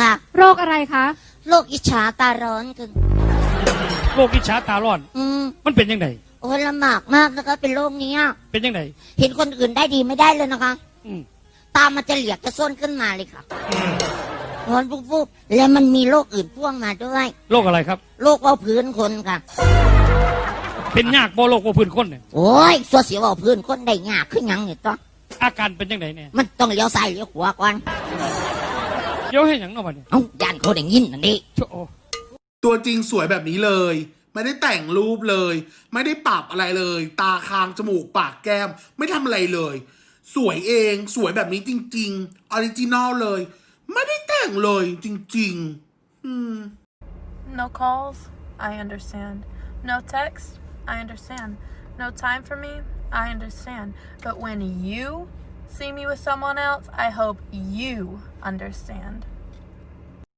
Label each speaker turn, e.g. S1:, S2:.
S1: ค่ะ
S2: โรคอะไรคะ
S1: โรคอิจฉาตาร้อนกัน
S3: โรคอิจฉาตาร้อน มันเป็นยังไง
S1: โอ้ยลำบากมากนะคะเป็นโรคนี้
S3: เป็นยังไง
S1: เห็นคนอื่นได้ดีไม่ได้เลยนะคะ
S3: อืม
S1: ตามันจะเหลียกจะส้นขึ้นมาเลยค่ะร้อนปุ๊บๆแล้วมันมีโรคอื่นพ่วงมาด้วย
S3: โรคอะไรครับ
S1: โรคเบาพื้นคนค่ะ
S3: เป็นยากบ่โรคบ่พื้นคนเนี่ย
S1: โอ้ยสัวเสียวเบาพื้นคนได้ยากขึ้นยังเนี่ยต้อง
S3: อาการเป็นยังไงเนี่ย
S1: มันต้องเลี้ยวซ้ายเลี้ยวขวาก่อน
S3: เดี๋ยวให้หยังเนาะบัดนี้
S1: เอ้าย่านเขาได้ยินนั่นดิ
S3: โอ้
S4: ตัวจริงสวยแบบนี้เลย ไม่ได้แต่งรูปเลย ไม่ได้ปรับอะไรเลย ตาคางจมูกปากแก้ม ไม่ทำอะไรเลย สวยเองสวยแบบนี้จริงๆออริจินอลเลย ไม่ได้แต่งเลยจริงๆ
S5: No calls, I understand. No text, I understand. No time for me, I understand. But when you see me with someone else, I hope you understand.